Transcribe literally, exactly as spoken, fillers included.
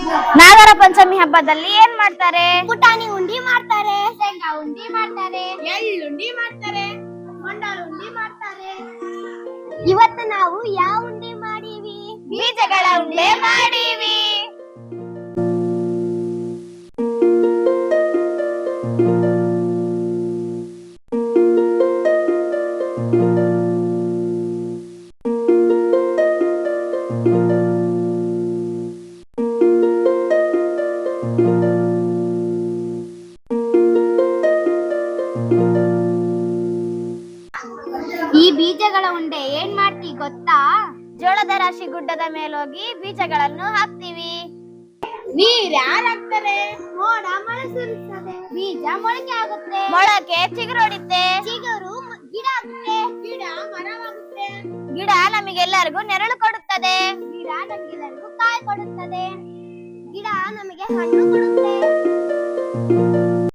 ನಾಗರ ಪಂಚಮಿ ಹಬ್ಬದಲ್ಲಿ ಏನ್ ಮಾಡ್ತಾರೆ? ಪುಟಾಣಿ ಉಂಡಿ ಮಾಡ್ತಾರೆ, ಶೇಂಗಾ ಉಂಡಿ ಮಾಡ್ತಾರೆ, ಎಳ್ಳುಂಡಿ ಮಾಡ್ತಾರೆ, ಮಂಡಾಳ ಉಂಡಿ ಮಾಡ್ತಾರೆ. ಇವತ್ತು ನಾವು ಯಾವ ಉಂಡಿ ಮಾಡೀವಿ? ಬೀಜಗಳ ಉಂಡೆ ಮಾಡೀವಿ. ಈ ಬೀಜಗಳ ಉಂಡೆ ಏನ್ ಮಾಡ್ತೀವಿ ಗೊತ್ತಾ? ಜೋಳದ ರಾಶಿ ಗುಡ್ಡದ ಮೇಲೋಗಿ ಬೀಜಗಳನ್ನು ಹಾಕ್ತಿವಿ. ನೀರ್ ಯಾರು ಹಾಕ್ತಾರೆ? ಮೋಡ ಮಳೆ ಸುರಿಸ್ತದೆ, ಬೀಜ ಮೊಳಕೆ ಆಗುತ್ತೆ, ಮೊಳಕೆ ಚಿಗುರೊಡಿತೆ, ಚಿಗುರು ಗಿಡ ಆಗುತ್ತೆ, ಗಿಡ ಮರವಾಗುತ್ತೆ, ಗಿಡ ನಮಗೆಲ್ಲರಿಗೂ ನೆರಳು ಕೊಡುತ್ತದೆ, ಗಿಡ ನಮಗೆಲ್ಲರಿಗೂ ಕಾಯಿ ಕೊಡುತ್ತದೆ, ಗಿಡ ನಮಗೆ ಹಣ್ಣು ಕೊಡುತ್ತೆ.